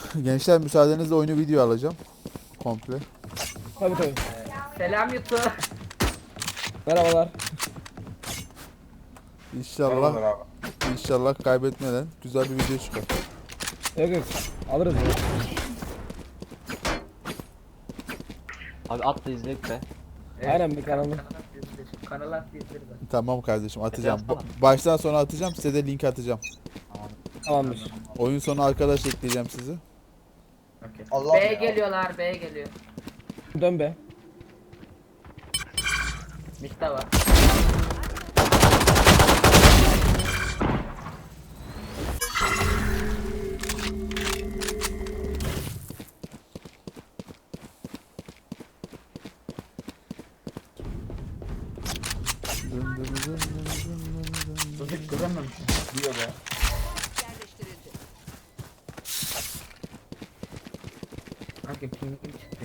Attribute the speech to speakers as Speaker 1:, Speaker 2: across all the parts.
Speaker 1: Gençler müsaadenizle oyunu video alacağım. Komple.
Speaker 2: Tabii tabii.
Speaker 3: Selam YouTube.
Speaker 2: Merhabalar.
Speaker 1: İnşallah
Speaker 4: Merhabalar abi.
Speaker 1: inşallah kaybetmeden güzel bir video çıkar.
Speaker 2: Yok yok. Alırız ya.
Speaker 5: Abi at da izleyip be.
Speaker 2: Aynen bir kanalı.
Speaker 3: Kanal at izleri de.
Speaker 1: Tamam kardeşim atacağım.
Speaker 5: atsana.
Speaker 1: Baştan sona atacağım. Size de link atacağım.
Speaker 2: Tamamdır.
Speaker 1: Oyun sonu arkadaş ekleyeceğim sizi.
Speaker 3: Okay.
Speaker 4: Allah
Speaker 3: B
Speaker 4: ya.
Speaker 3: geliyorlar, B geliyor.
Speaker 2: Dön be.
Speaker 3: Mitte var. Çocuk görememiş.
Speaker 4: Diyor be.
Speaker 3: Kanka pingim çıktı.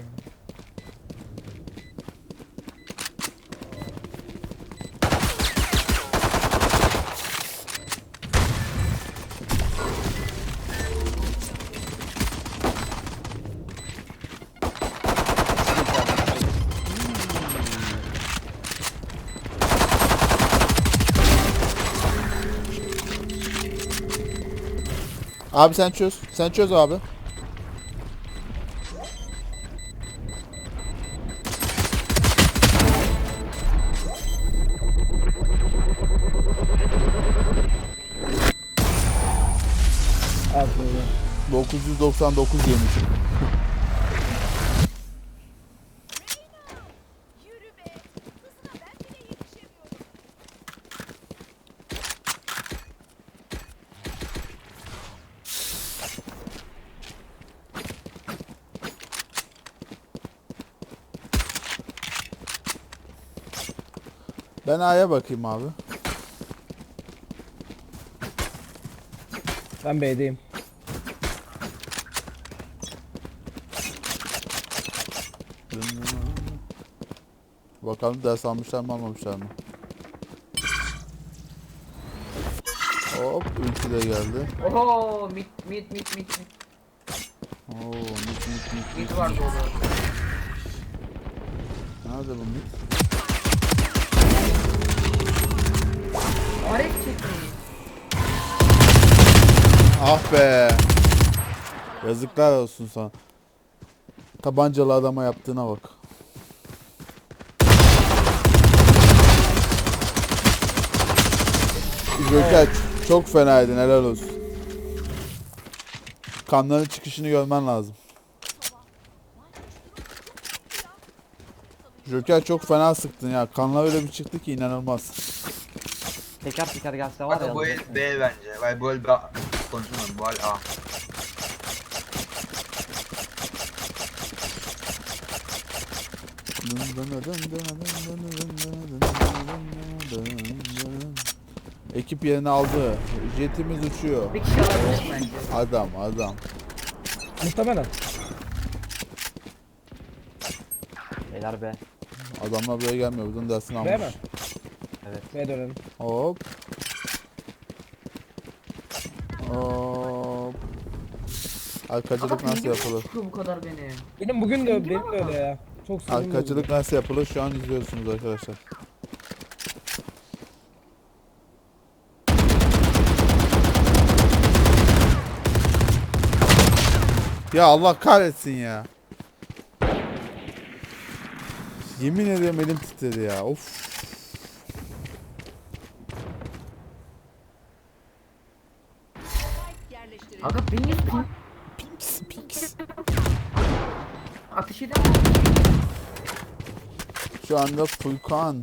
Speaker 1: Abi sen çöz. Sen çöz abi.
Speaker 2: Al şunu.
Speaker 1: 999 yemiş.
Speaker 6: Yürü be. Hızına ben bile yetişemiyorum.
Speaker 1: Ben A'ya bakayım abi.
Speaker 2: Ben B'deyim.
Speaker 1: Bakalım ders almışlar mı almamışlar mı? Hop ulti de geldi.
Speaker 3: Oho, mit.
Speaker 1: Oo mit.
Speaker 3: Mit var dolu.
Speaker 1: Nerede bu mit?
Speaker 3: Arek çekmeyin.
Speaker 1: Ah be. Yazıklar olsun sana. Tabancalı adama yaptığına bak. Joker çok fenaydın, helal olsun. Kanların çıkışını görmen lazım. Joker çok fena sıktın ya. Kanlar öyle bir çıktı ki inanılmaz.
Speaker 5: Teker teker gelse var ya.
Speaker 4: Kanka bu el B bence. Vay bu el B. Konuşamam bu el A.
Speaker 1: Ekip yerini aldı. Jetimiz uçuyor.
Speaker 3: Bir kişi alabilir bence.
Speaker 1: Adam.
Speaker 2: Muhtemelen.
Speaker 5: Beyler be.
Speaker 1: Adamlar buraya gelmiyor. Buradan dersini
Speaker 2: B mi?
Speaker 1: almış.
Speaker 2: B'ye dönelim.
Speaker 1: Hop. Hop. Arkacılık
Speaker 3: Kanka
Speaker 1: nasıl
Speaker 3: pingim
Speaker 1: yapılır?
Speaker 3: çıkıyor bu kadar beni.
Speaker 2: Benim de öyle ya. Çok sinirli
Speaker 1: Arkacılık nasıl yapılır? Şu an izliyorsunuz arkadaşlar. Ya Allah kahretsin ya. Yemin ederim elim titredi ya. Of.
Speaker 6: Yerleştirildi.
Speaker 3: Aga pingim ping.
Speaker 1: Pinks.
Speaker 3: Atış edemem.
Speaker 1: Şu anda Furkan.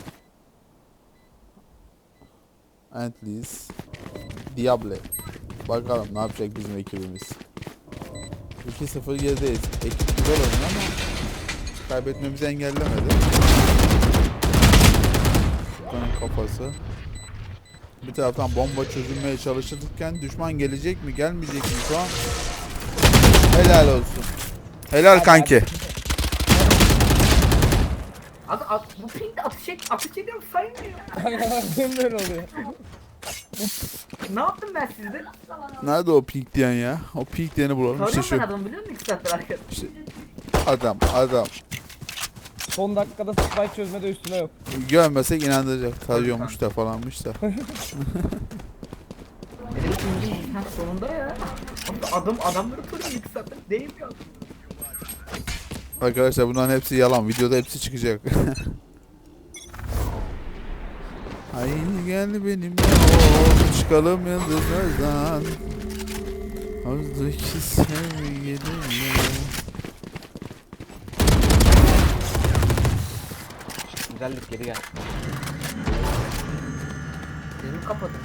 Speaker 1: Antlis. Diable. Bakalım ne yapacak bizim ekibimiz. 2-0 gerideyiz. Ekip güzel oynuyor ama kaybetmemizi engellemedi. Furkan'ın kafası. Bir taraftan bomba çözülmeye çalışırken düşman gelecek mi gelmeyecek mi şu an? Helal olsun. Helal kanki.
Speaker 3: Bu pingde atış ediyorum saymıyor.
Speaker 2: Aynen böyle oluyor.
Speaker 3: Ne yaptım ben sizde?
Speaker 1: Nerede o pink diyen ya? O pink diyeni bulalım. İşte
Speaker 3: Tarıyorum ben
Speaker 1: şu.
Speaker 3: adamı biliyor musun 2 saattir arkadaş?
Speaker 1: İşte adam.
Speaker 2: Son dakikada spike çözmede üstüne yok.
Speaker 1: Görmesek inandıracak. Tarıyormuş da falanmış da.
Speaker 3: Benim pingim sonunda ya. Adamları tarıyorum 2 saattir. Değil ya.
Speaker 1: Arkadaşlar bunların hepsi yalan. Videoda hepsi çıkacak. Haydi gel benimle ol. Çıkalım yıldızlardan. Azdaki sevgilimle.
Speaker 5: Güzellik geri gel.
Speaker 3: Benim kapatın.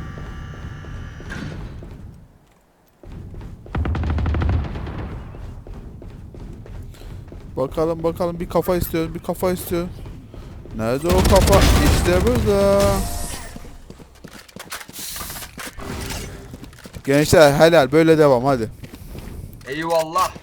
Speaker 1: Bakalım bir kafa istiyorum, bir kafa istiyorum. Nerede o kafa? İşte burada. Gençler helal böyle devam hadi.
Speaker 4: Eyvallah.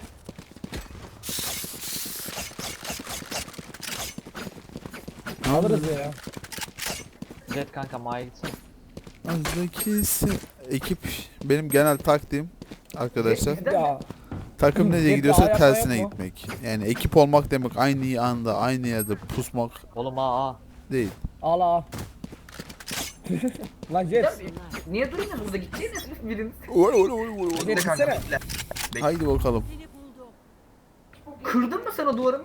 Speaker 2: Alırız ya.
Speaker 5: Jet kanka Ma'ya gitsin.
Speaker 1: Azdaki ekip benim genel taktiğim arkadaşlar.
Speaker 2: Ya.
Speaker 1: Takım nereye
Speaker 2: Hep
Speaker 1: gidiyorsa
Speaker 2: daha
Speaker 1: tersine
Speaker 2: yapma.
Speaker 1: gitmek. Yani ekip olmak demek aynı anda aynı yerde pusmak
Speaker 5: Oğlum aa.
Speaker 1: değil.
Speaker 2: Al. Lan Jet.
Speaker 3: Niye duruyorsunuz burada gideceğiniz biriniz?
Speaker 2: Jet
Speaker 4: Bekle kanka
Speaker 2: gitsene.
Speaker 4: bekle. Bekle.
Speaker 1: Haydi bakalım.
Speaker 6: Seni buldum.
Speaker 3: Kırdın mı sen o duvarı mı?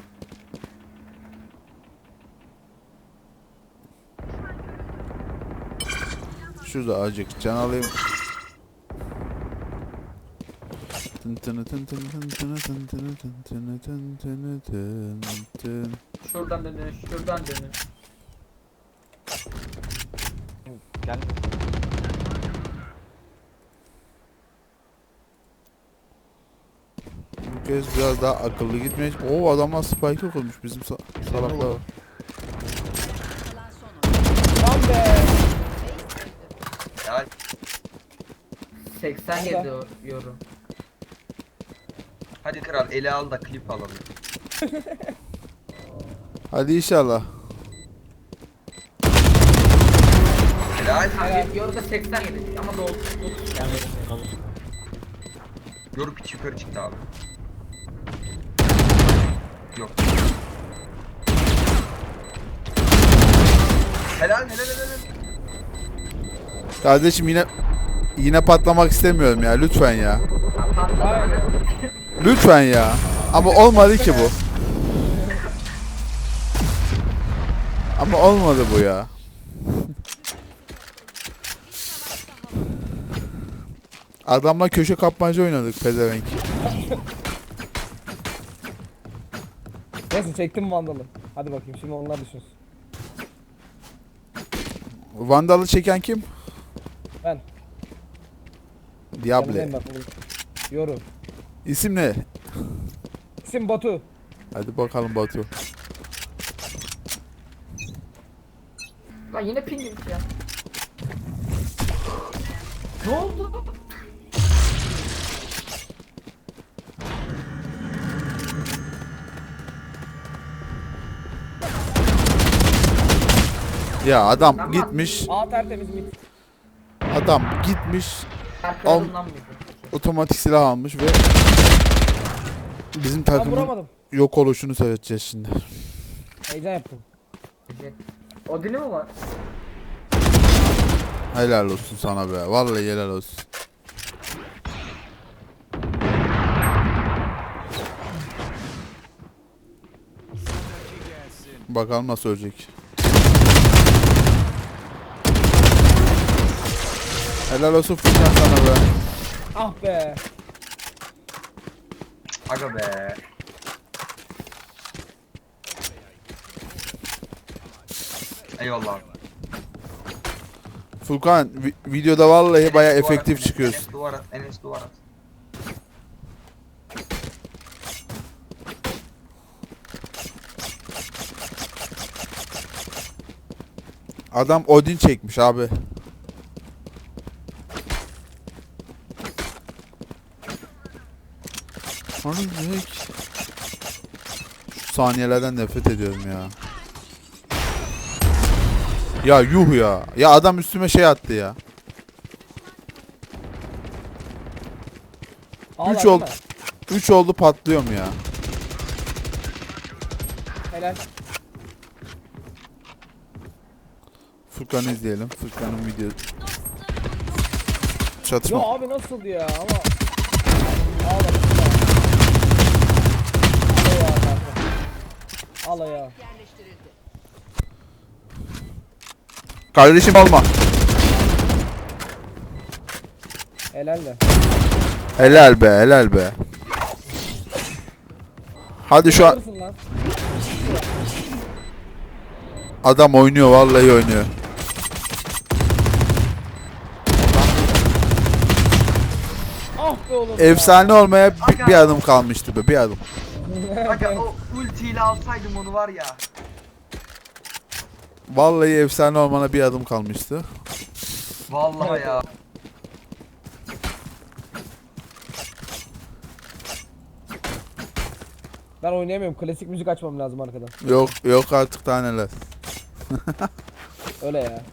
Speaker 1: Şurada azıcık can alayım. Tın tını tın tın tın tını tın tını tın tını tın tını tın tın.
Speaker 3: Şuradan dönün, şuradan dönün.
Speaker 5: Gel.
Speaker 1: Bu kez biraz daha akıllı gitmeye... Oo adamlar spike kurmuş bizim salaklar.
Speaker 6: Kalan son
Speaker 2: Lan be.
Speaker 4: Ya
Speaker 3: 87 yorum.
Speaker 4: hadi kral ele al da klip alalım.
Speaker 1: Hadi inşallah.
Speaker 4: Helal.
Speaker 3: Yorum da 87 ama doldu.
Speaker 4: Yoruk hiç yukarı çıktı abi. Yok. Helal.
Speaker 1: Kardeşim yine patlamak istemiyorum ya lütfen ya.
Speaker 2: Aynen.
Speaker 1: Lütfen ya. Ama olmadı ki bu. Ama olmadı bu ya. Adamla köşe kapmaca oynadık pezevenk.
Speaker 2: Neyse çektim vandalı. Hadi bakayım şimdi onlar düşünsün.
Speaker 1: Vandal'ı çeken kim?
Speaker 2: Ben.
Speaker 1: Diable.
Speaker 2: Yanındayım bak bugün. Yoru.
Speaker 1: İsim ne?
Speaker 2: İsim Batu.
Speaker 1: Hadi bakalım Batu.
Speaker 3: Lan yine pingim ya. Ne oldu?
Speaker 1: Ya adam gitmiş.
Speaker 2: A tertemiz mit.
Speaker 1: Adam gitmiş.
Speaker 3: Arkalarından mıydı?
Speaker 1: Otomatik silah almış ve bizim
Speaker 2: Ben
Speaker 1: takımın
Speaker 2: vuramadım.
Speaker 1: yok oluşunu seyredeceğiz şimdi.
Speaker 2: Heyecan yaptım.
Speaker 3: Odin'i mi var?
Speaker 1: Helal olsun sana be. Vallahi helal olsun. Bakalım nasıl ölecek. Helal olsun Furkan sana be.
Speaker 2: Ah be.
Speaker 4: Aga be. Eyvallah abi.
Speaker 1: Furkan videoda vallahi baya
Speaker 4: Enes duvar
Speaker 1: efektif
Speaker 4: at,
Speaker 1: çıkıyorsun.
Speaker 4: Enes duvar at. Enes duvar at.
Speaker 1: Adam Odin çekmiş abi. Şu saniyelerden nefret ediyorum ya. Ya yuh ya. Ya adam üstüme şey attı ya.
Speaker 2: Ağla,
Speaker 1: 3
Speaker 2: değil
Speaker 1: oldu.
Speaker 2: mi?
Speaker 1: 3 oldu patlıyorum ya.
Speaker 2: Helal.
Speaker 1: Furkan'ı izleyelim. Furkan'ın videosu.
Speaker 2: Ya
Speaker 1: Çatışma.
Speaker 2: abi nasıl ya ama. Ağla. Ağla ya kanka. Ağla ya.
Speaker 6: Yerleştirildi.
Speaker 1: Kardeşim alma.
Speaker 2: Helal de.
Speaker 1: Helal be, helal be. Hadi şu an
Speaker 2: Alırsın lan.
Speaker 1: adam oynuyor, vallahi oynuyor.
Speaker 2: Ah be oğlum.
Speaker 1: Efsane olmaya bir adım kalmıştı be, bir adım.
Speaker 4: Aga o ultiyle alsaydım onu var ya.
Speaker 1: Vallahi efsane olmana bir adım kalmıştı.
Speaker 4: Vallahi ya.
Speaker 2: Ben oynayamıyorum. Klasik müzik açmam lazım arkadan.
Speaker 1: Yok yok artık daha neler.
Speaker 2: Öyle ya.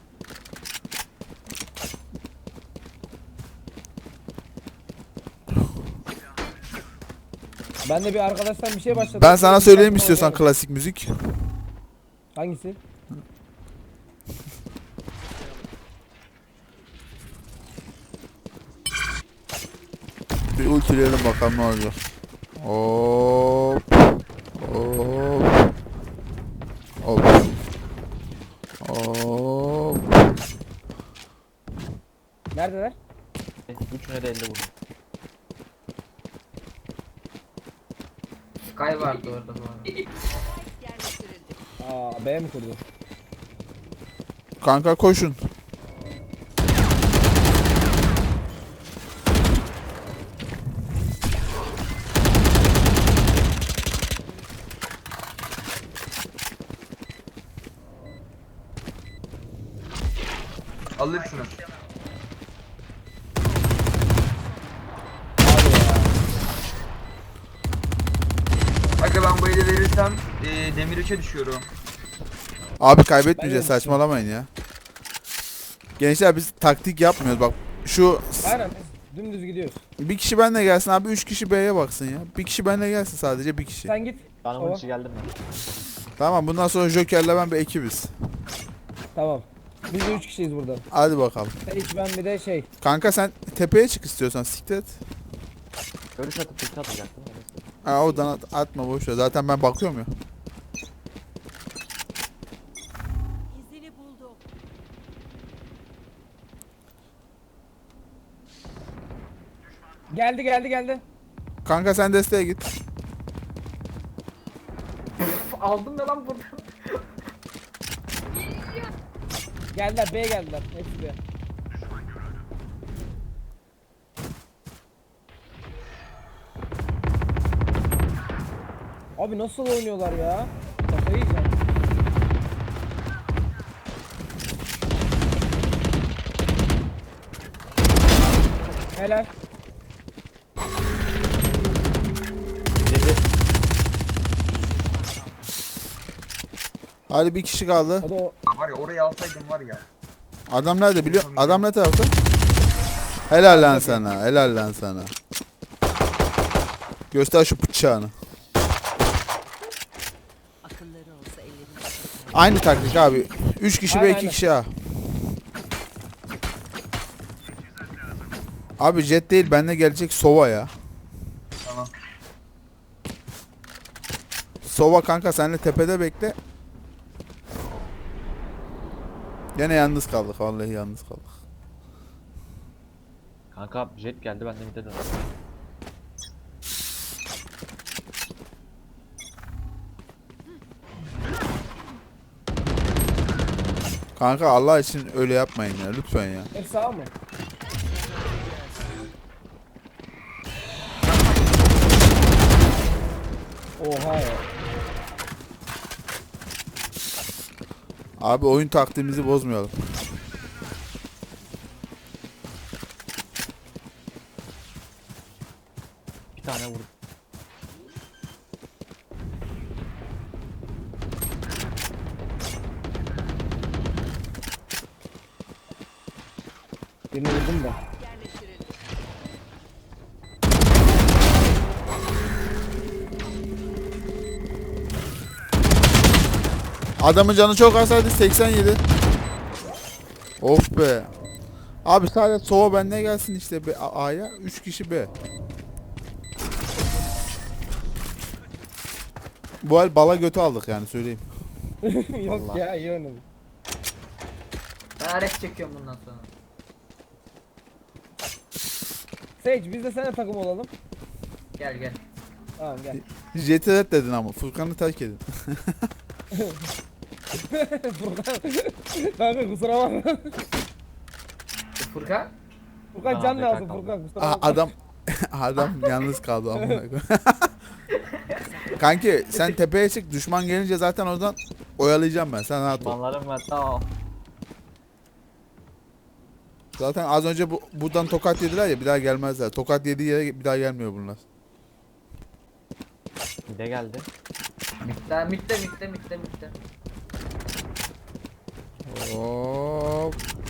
Speaker 2: Ben de bir arkadaştan bir şey başladım.
Speaker 1: Ben sana söyleyeyim
Speaker 2: Müzik
Speaker 1: istiyorsan
Speaker 2: açmam
Speaker 1: klasik müzik.
Speaker 2: lazım. Hangisi?
Speaker 1: Bir ultileyelim bakalım ne olacak. Hop. Hop. Hop. Hop.
Speaker 2: Neredeler?
Speaker 5: Üçüne de 50 vurdum.
Speaker 3: Sky vardı orada bu arada.
Speaker 6: Yerleştirildi.
Speaker 2: Aa, B mi kurdu?
Speaker 1: Kanka koşun.
Speaker 4: Alırsınız. Aga ben bu eli verirsem demir 3'e düşüyorum.
Speaker 1: Abi kaybetmeyeceğiz,
Speaker 2: Ben de
Speaker 1: saçmalamayın ya. Gençler biz taktik yapmıyoruz bak. Şu
Speaker 2: Aynen biz dümdüz gidiyoruz.
Speaker 1: bir kişi benle gelsin abi, 3 kişi B'ye baksın ya. Bir kişi benle gelsin, sadece bir kişi.
Speaker 2: Sen git.
Speaker 5: Bana
Speaker 2: Tamam.
Speaker 5: ulti geldi mi?
Speaker 1: Tamam, bundan sonra Joker'le ben bir ekibiz.
Speaker 2: Tamam. Biz de 3 kişiyiz burada.
Speaker 1: Hadi bakalım.
Speaker 2: Sen hiç ben bir de şey.
Speaker 1: Kanka sen tepeye çık istiyorsan, siktir et.
Speaker 5: Görüş atıp ulti atacaktım. Neyse.
Speaker 1: Ha, oradan atma boş ver. Zaten ben bakıyorum ya.
Speaker 6: İzini buldum.
Speaker 2: Geldi geldi geldi.
Speaker 1: Kanka sen desteğe git.
Speaker 3: Aldım ya lan buradan.
Speaker 2: Geldiler B'ye geldiler. Hepsi B. Abi nasıl oynuyorlar ya? Kafayı yiyeceğim. Helal.
Speaker 1: Hadi bir kişi kaldı.
Speaker 2: O da o.
Speaker 4: Var ya orayı alsaydım var ya.
Speaker 1: Adam nerede biliyor? Adam ne tarafta? Helal lan sana. Helal lan sana. Göster şu bıçağını.
Speaker 6: Akılları olsa ellerinde.
Speaker 1: Aynı taktik abi. 3 kişi ve
Speaker 2: Aynen,
Speaker 1: 2
Speaker 2: aynen.
Speaker 1: kişi A. Abi jet değil, bende gelecek Sova ya.
Speaker 4: Tamam.
Speaker 1: Sova kanka, senle tepede bekle. Gene yalnız kaldık, vallahi yalnız kaldık.
Speaker 5: Kanka jet geldi, ben de mid'e döndüm.
Speaker 1: Kanka Allah için öyle yapmayın ya, lütfen ya.
Speaker 2: Hep sağ mı? Oha ya.
Speaker 1: Abi oyun taktiğimizi bozmayalım.
Speaker 5: Bir tane vurdum.
Speaker 2: Birini vurdum da.
Speaker 6: Yerleştirildi.
Speaker 1: Adamın canı çok azaydı 87. Of be. Abi sadece sova bende gelsin işte A'ya 3 kişi B. Bu el bala götü aldık yani söyleyeyim.
Speaker 2: Yok
Speaker 5: Vallahi.
Speaker 2: ya iyi oynadım.
Speaker 3: Ben ares çekiyorum bundan sonra.
Speaker 2: Sage biz de seninle takım olalım.
Speaker 3: Gel gel.
Speaker 2: Tamam gel.
Speaker 1: Jet'i red dedin ama Furkan'ı terk edin.
Speaker 2: Furkan. Kanka kusura bakma.
Speaker 3: Furkan.
Speaker 2: Furkan
Speaker 5: Aa,
Speaker 2: can
Speaker 5: bekar
Speaker 2: lazım
Speaker 5: kaldı.
Speaker 2: Furkan kusura bakma.
Speaker 1: Adam yalnız kaldı amına koyayım. Kanki sen tepeye çık düşman gelince zaten oradan oyalayacağım ben sen rahat ol.
Speaker 5: Manlarım var tamam.
Speaker 1: Zaten az önce buradan tokat yediler ya bir daha gelmezler. Tokat yediği yere bir daha gelmiyor bunlar.
Speaker 5: Bir de geldi.
Speaker 3: Daha mitte.
Speaker 1: Hop.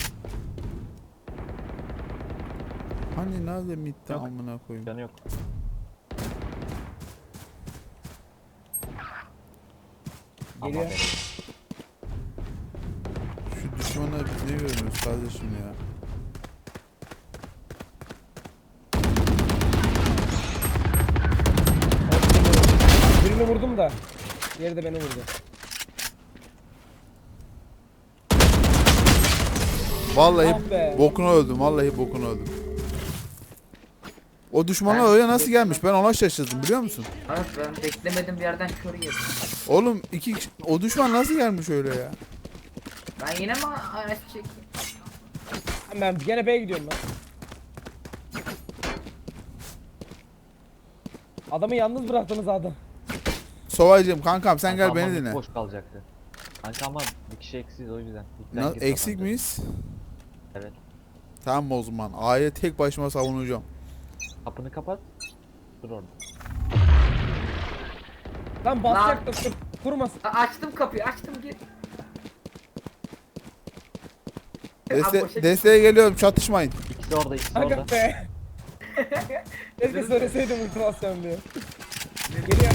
Speaker 1: Hani nerede mitte
Speaker 5: Yok.
Speaker 1: amına koyayım.
Speaker 5: Canı yok.
Speaker 2: Geliyor.
Speaker 5: Ama be.
Speaker 1: Şu düşmana biz ne görmüyoruz kardeşim ya.
Speaker 2: Birini vurdum da. Diğeri de beni vurdu.
Speaker 1: Vallahi
Speaker 2: Ah be.
Speaker 1: bokuna öldüm. Vallahi bokuna öldüm. O düşmana öyle nasıl gelmiş? Ben ona şaşırdım biliyor musun?
Speaker 3: Evet ben beklemedim bir yerden kör yedim.
Speaker 1: Oğlum o düşman nasıl gelmiş öyle ya?
Speaker 3: Ben yine mi ares çekeyim?
Speaker 2: Ben gene B'ye gidiyorum ben. Adamı yalnız bıraktınız adam.
Speaker 1: Sovaycığım kankam sen gel
Speaker 5: Kanka
Speaker 1: beni
Speaker 5: ama
Speaker 1: dinle.
Speaker 5: boş kalacaktı. Kanka ama bir kişi eksiz o yüzden. İlkten git
Speaker 1: Eksik
Speaker 5: kapandı.
Speaker 1: miyiz?
Speaker 5: Evet.
Speaker 1: Tamam o zaman. A'ya tek başıma savunacağım.
Speaker 5: Kapını kapat. Dur orada.
Speaker 2: Lan basacaktım kurmasın.
Speaker 3: Açtım kapıyı açtım gir.
Speaker 1: Desteğe geliyorum çatışmayın.
Speaker 5: İkisi orada, ikisi orada.
Speaker 2: Kanka be. Keşke söyleseydim ultimasyon diye. Geliyor.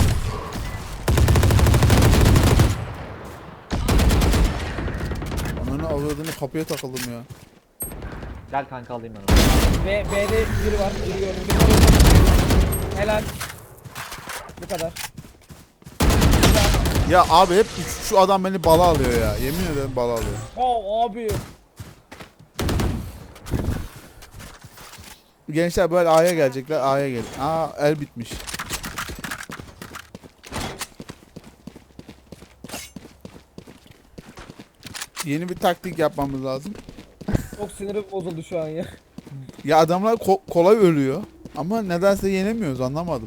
Speaker 1: Ananı avradını kapıya takıldım ya.
Speaker 5: Gel kanka alayım ben onu.
Speaker 2: B'de biri var. Biri gördüm. Biri vurdum. Helal. Bu kadar.
Speaker 1: Ya abi hep şu adam beni bala alıyor ya. Yemin ederim bala alıyor.
Speaker 2: Oh abi.
Speaker 1: Gençler böyle A'ya gelecekler. A'ya gel. Aa el bitmiş. Yeni bir taktik yapmamız lazım.
Speaker 2: Çok sinirim bozuldu şu an ya.
Speaker 1: Ya adamlar kolay ölüyor. Ama nedense yenemiyoruz anlamadım.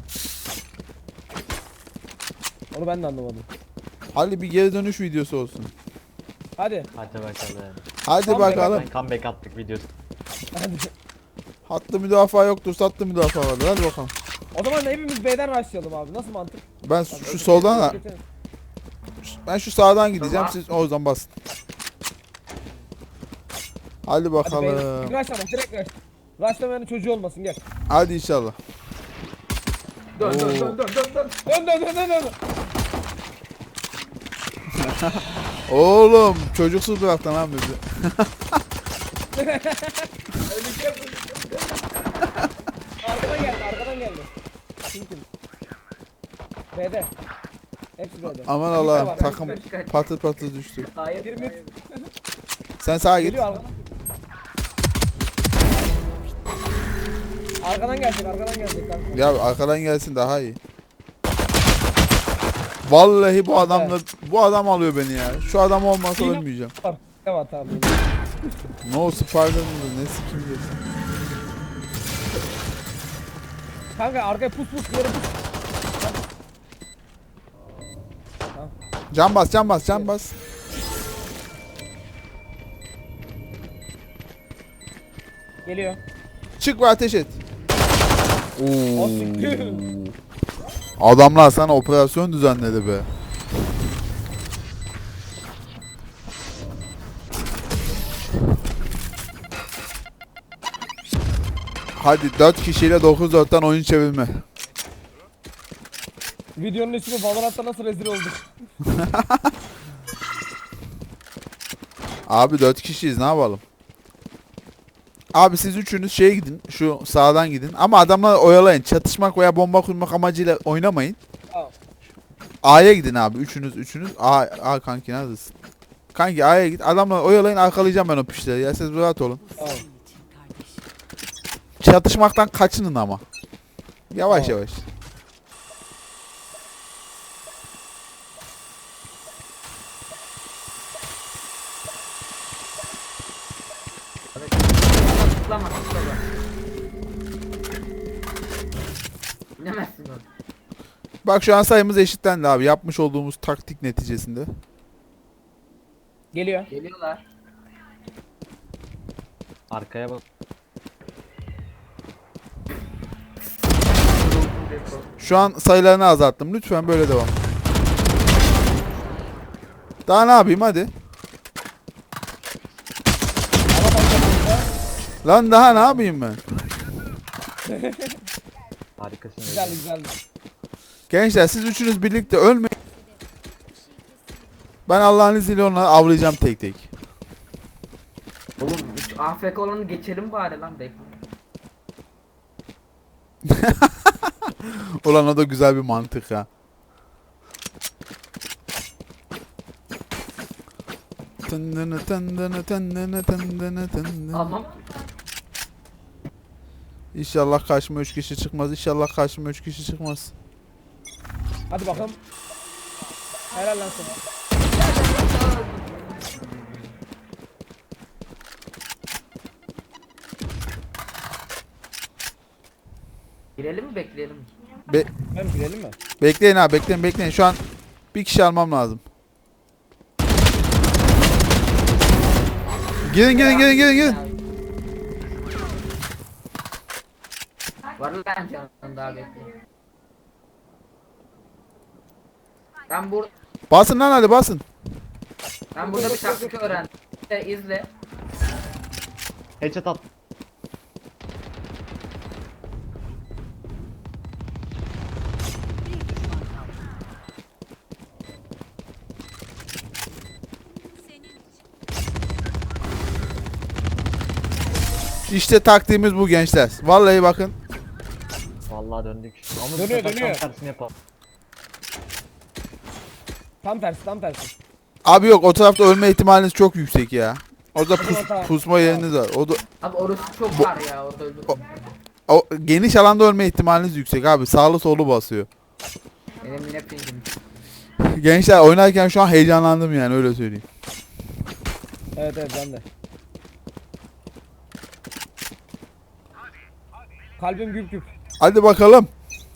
Speaker 2: Onu ben de anlamadım.
Speaker 1: Hadi bir geri dönüş videosu olsun.
Speaker 2: Hadi.
Speaker 5: Hadi bakalım.
Speaker 1: Hadi
Speaker 2: Comeback
Speaker 1: bakalım.
Speaker 5: Ben comeback attık videosu.
Speaker 2: Hadi.
Speaker 1: Hattı müdafaa yoktur, sattı müdafaa vardır. Hadi bakalım.
Speaker 2: O zaman hepimiz B'den rushlayalım abi. Nasıl mantık?
Speaker 1: Ben şu soldan,
Speaker 2: Getirin.
Speaker 1: ben şu sağdan gideceğim.
Speaker 3: Tamam.
Speaker 1: Siz o yüzden basın. Hadi
Speaker 2: Hadi
Speaker 1: bakalım.
Speaker 2: B'den. Rushlama direkt rush. Rushlamayanın çocuğu olmasın gel.
Speaker 1: Hadi inşallah.
Speaker 3: Dön
Speaker 1: Oo.
Speaker 3: dön dön dön dön dön.
Speaker 2: Dön.
Speaker 1: Oğlum çocuksuz bıraktın lan bizi.
Speaker 2: Arkadan geldi. Kim? B'de. Hepsi B'de.
Speaker 1: Aman
Speaker 2: Bir
Speaker 1: Allah'ım
Speaker 2: var,
Speaker 1: takım patır patır düştü.
Speaker 3: Hayır
Speaker 2: Bir
Speaker 3: hayır.
Speaker 2: mid.
Speaker 1: Sen sağa git.
Speaker 2: Geliyor arkadan. Arkadan gelecek kanka.
Speaker 1: Ya arkadan gelsin daha iyi. Vallahi bu adam alıyor beni ya. Şu adam olmasa
Speaker 2: Yine-
Speaker 1: ölmeyeceğim.
Speaker 2: Tamam.
Speaker 1: No Spider mıdır ne sikim diyorsun.
Speaker 2: Kanka arkaya pus yarı pus.
Speaker 1: Can bas.
Speaker 2: Geliyor.
Speaker 1: Çık ve ateş et.
Speaker 2: O siktir.
Speaker 1: Adamlar sana operasyon düzenledi be. Hadi 4 kişiyle 9-4'ten oyun çevirme.
Speaker 2: Videonun ismi Valorant'ta nasıl rezil olduk.
Speaker 1: Abi 4 kişiyiz, ne yapalım? Abi siz üçünüz şeye gidin. Şu sağdan gidin. Ama adamları oyalayın. Çatışmak veya bomba kurmak amacıyla oynamayın.
Speaker 2: Tamam.
Speaker 1: A'ya gidin abi. Üçünüz. A kanki neredesin? Kanki A'ya git. Adamları oyalayın, arkalayacağım ben o pişleri. Ya siz rahat olun.
Speaker 2: Tamam.
Speaker 1: Çatışmaktan kaçının ama. Yavaş
Speaker 2: Tamam.
Speaker 1: yavaş.
Speaker 3: Tıklama tıklama. Bilemezsin onu.
Speaker 1: Bak şu an sayımız eşitlendi abi. Yapmış olduğumuz taktik neticesinde.
Speaker 2: Geliyor.
Speaker 3: Geliyorlar.
Speaker 5: Arkaya bak.
Speaker 1: Şu an sayılarını azalttım. Lütfen böyle devam. Daha ne yapayım hadi. Lan daha ne yapayım ben?
Speaker 5: Harikasın.
Speaker 2: Güzel
Speaker 5: Ece.
Speaker 2: güzel.
Speaker 1: Gençler siz üçünüz birlikte ölmeyin. Ben Allah'ın izniyle onları avlayacağım tek tek.
Speaker 3: Oğlum şu AFK olanı geçelim bari lan bekle.
Speaker 1: Ulan o da güzel bir mantık ha. Tındını tındını tındını tındını tındını.
Speaker 3: Almam.
Speaker 1: İnşallah karşıma 3 kişi çıkmaz. İnşallah karşıma 3 kişi çıkmaz.
Speaker 2: Hadi bakalım. Helal lan sana.
Speaker 3: Girelim mi bekleyelim mi?
Speaker 2: Ben girelim mi?
Speaker 1: Bekleyin abi, bekleyin. Şu an bir kişi almam lazım. Gidin.
Speaker 3: Var lan canım daha bekle. Ben burada
Speaker 1: Basın lan hadi basın.
Speaker 3: bir taktik öğrendim. İzle.
Speaker 5: Headshot at.
Speaker 6: Senin için.
Speaker 1: İşte taktiğimiz bu gençler. Vallahi bakın.
Speaker 5: Vallahi döndük. Ama bu
Speaker 2: Dönüyor,
Speaker 5: sefer
Speaker 2: dönüyor.
Speaker 5: tam tersini yapalım.
Speaker 2: Tam tersi.
Speaker 1: Abi yok, o tarafta ölme ihtimaliniz çok yüksek ya. Orada
Speaker 2: Tamam.
Speaker 1: pusma yeriniz var.
Speaker 3: Abi orası çok var ya orada öldüm.
Speaker 1: O geniş alanda ölme ihtimaliniz yüksek abi. Sağlı solu basıyor.
Speaker 3: Benim yine pingim.
Speaker 1: Gençler oynarken şu an heyecanlandım yani, öyle söyleyeyim.
Speaker 2: Evet ben de. Kalbim güp güp.
Speaker 1: Hadi bakalım.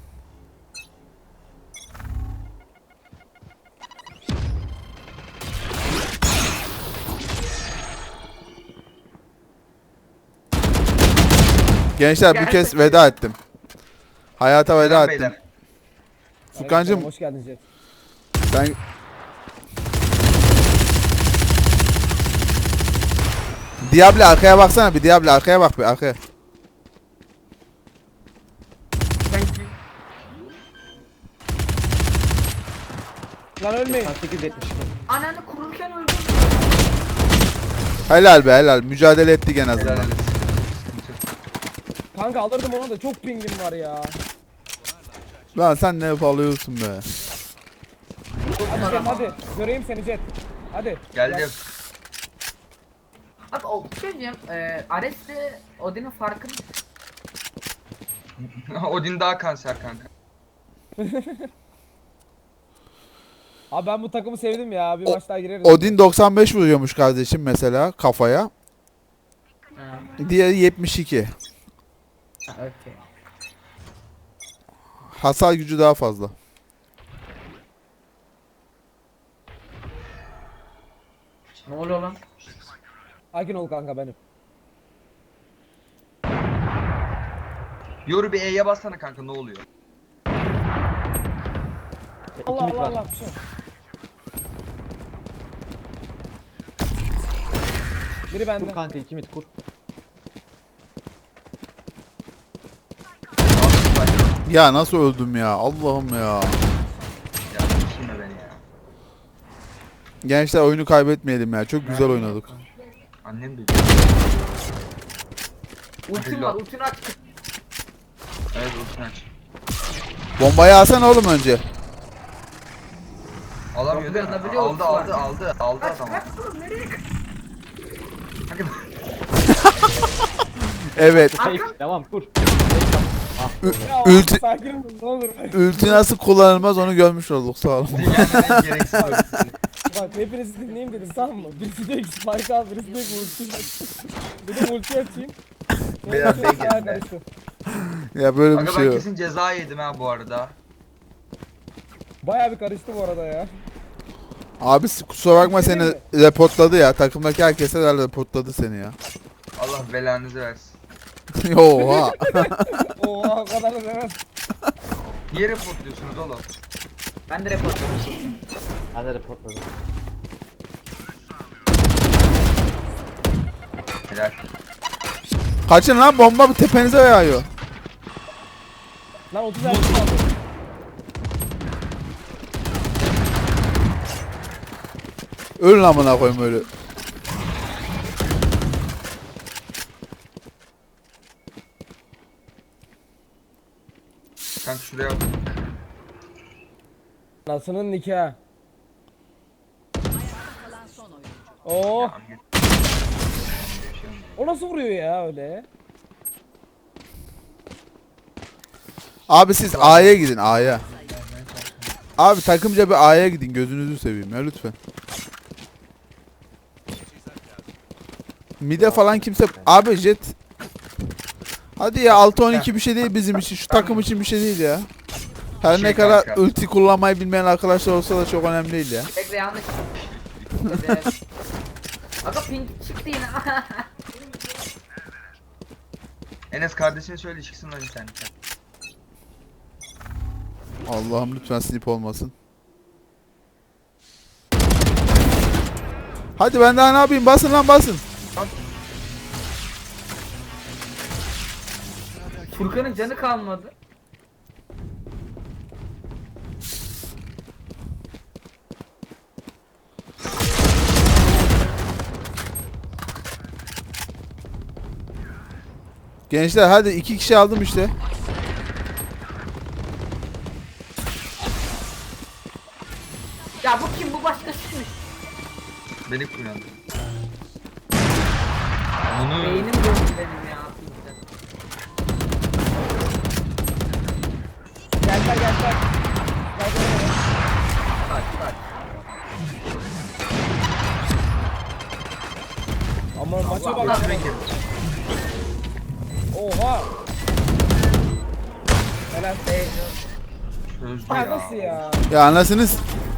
Speaker 1: Gençler bu kez veda ettim. Hayata veda
Speaker 4: Selam
Speaker 1: ettim.
Speaker 4: beyler.
Speaker 1: Furkancığım
Speaker 2: Hoş geldin Jet.
Speaker 1: ben... Diable arkaya baksana bir, Diable arkaya bak bir, arkaya.
Speaker 2: Lan ölmeyin.
Speaker 5: 872.
Speaker 3: Ananı kururken öldüm.
Speaker 1: Helal be helal, mücadele ettik en
Speaker 4: Helal
Speaker 1: azından.
Speaker 4: helal.
Speaker 2: Kanka alırdım onu da çok pingim var ya.
Speaker 1: Lan sen ne yapalıyorsun be.
Speaker 2: Hadi Jet hadi. Göreyim seni Jet. Hadi.
Speaker 4: Geldim.
Speaker 3: Abi o bir şey diyeceğim. Ares'le Odin'in farkı
Speaker 4: Odin daha kanser kanka.
Speaker 2: Abi ben bu takımı sevdim ya. Bir
Speaker 1: O-
Speaker 2: maç daha gireriz.
Speaker 1: Odin 95 vuruyormuş kardeşim mesela kafaya.
Speaker 3: Ha,
Speaker 1: Diğeri 72.
Speaker 3: okey.
Speaker 1: Hasar gücü daha fazla.
Speaker 3: Ne oluyor lan?
Speaker 2: Sakin ol kanka benim.
Speaker 4: Yoru bir E'ye bassana kanka, ne oluyor?
Speaker 2: Allah
Speaker 5: mid
Speaker 2: Allah
Speaker 5: var.
Speaker 2: Allah. Bir şey yok. Biri bende.
Speaker 5: Kur kanka 2 mid kur.
Speaker 1: Ya nasıl öldüm ya, Allah'ım ya.
Speaker 4: Ya düşünme beni ya.
Speaker 1: Gençler oyunu kaybetmeyelim ya, çok güzel oynadık.
Speaker 4: Annem duydu.
Speaker 3: Ultim var, ultini aç.
Speaker 4: Evet ultini aç.
Speaker 1: Bombayı alsana oğlum önce.
Speaker 4: Alamıyor değil mi?
Speaker 3: Yapabiliyor
Speaker 4: Aldı
Speaker 3: ultisi
Speaker 4: aldı
Speaker 3: var.
Speaker 4: aldı aldı
Speaker 3: Kaç
Speaker 4: adam.
Speaker 3: kaç oğlum nereye kaç?
Speaker 4: Aga
Speaker 1: Evet.
Speaker 5: Fake. Devam kur.
Speaker 2: Ya
Speaker 1: Ulti-
Speaker 2: sakin olun ne olur.
Speaker 1: Ulti nasıl kullanılmaz onu görmüş olduk sağ olun.
Speaker 4: dünyanın en gereksiz ultisi.
Speaker 2: Bak hepinizi dinleyeyim dedim tamam mı? Birisi diyor ki Spike al, birisi diyor ki ulti aç. Dedim ulti açayım.
Speaker 4: Beyler,
Speaker 2: Sonra
Speaker 4: bey
Speaker 2: çok daha
Speaker 4: gelin be.
Speaker 2: karıştı.
Speaker 1: Ya böyle bir
Speaker 4: Aga
Speaker 1: şey
Speaker 4: ben
Speaker 1: yok.
Speaker 4: kesin ceza yedim ha bu arada.
Speaker 2: Bayağı bir karıştı bu arada ya.
Speaker 1: Abi kusura bakma seni reportladı ya. Takımdaki herkese reportladı seni ya.
Speaker 4: Allah belanızı versin.
Speaker 1: Oha.
Speaker 2: Oha o kadar da demez.
Speaker 4: Niye reportluyorsunuz oğlum?
Speaker 3: Ben de reportladım.
Speaker 5: Ben de reportladım.
Speaker 4: Helal.
Speaker 1: Kaçın lan bomba bir tepenize yağıyor.
Speaker 2: Lan 30 erkek aldı.
Speaker 1: Ölün amına koyayım öyle.
Speaker 4: Kanka şuraya bak.
Speaker 2: Nasının nikahı.
Speaker 6: Kalan son oyuncu.
Speaker 2: Oh.
Speaker 4: Tamam, git.
Speaker 2: O nasıl vuruyor ya öyle?
Speaker 1: Abi siz A'ya gidin A'ya. Abi takımca bir A'ya gidin gözünüzü seveyim ya lütfen. Mide falan kimse... Abi jet... Hadi ya 6-12 bir şey değil bizim için. Şu takım için bir şey değil ya. Her
Speaker 4: Şey
Speaker 1: ne kadar
Speaker 4: kanka.
Speaker 1: ulti kullanmayı bilmeyen arkadaşlar olsa da çok önemli değil ya.
Speaker 3: Bekle yanlış. Evet. Aga pink çıktı yine.
Speaker 4: Enes kardeşine söyle çıksın lan internetten.
Speaker 1: Allah'ım lütfen snip olmasın. Hadi ben daha ne yapayım? Basın lan basın.
Speaker 3: Furkan'ın canı kalmadı.
Speaker 1: Gençler hadi 2 kişi aldım işte.
Speaker 3: Ya bu kim, bu başkasıymış.
Speaker 4: Beni kullandı. Bunu
Speaker 3: Beynim döndü benim ya. pinkten.
Speaker 2: Geldiler geldiler. Geldiler.
Speaker 3: Kaç kaç.
Speaker 2: Ama maça
Speaker 3: Allah
Speaker 2: bak.
Speaker 4: ultime girdi.
Speaker 2: Oha. Helal.
Speaker 4: Çözdü
Speaker 2: Ya
Speaker 4: ya.
Speaker 2: nasıl ya?
Speaker 1: Ya anasınız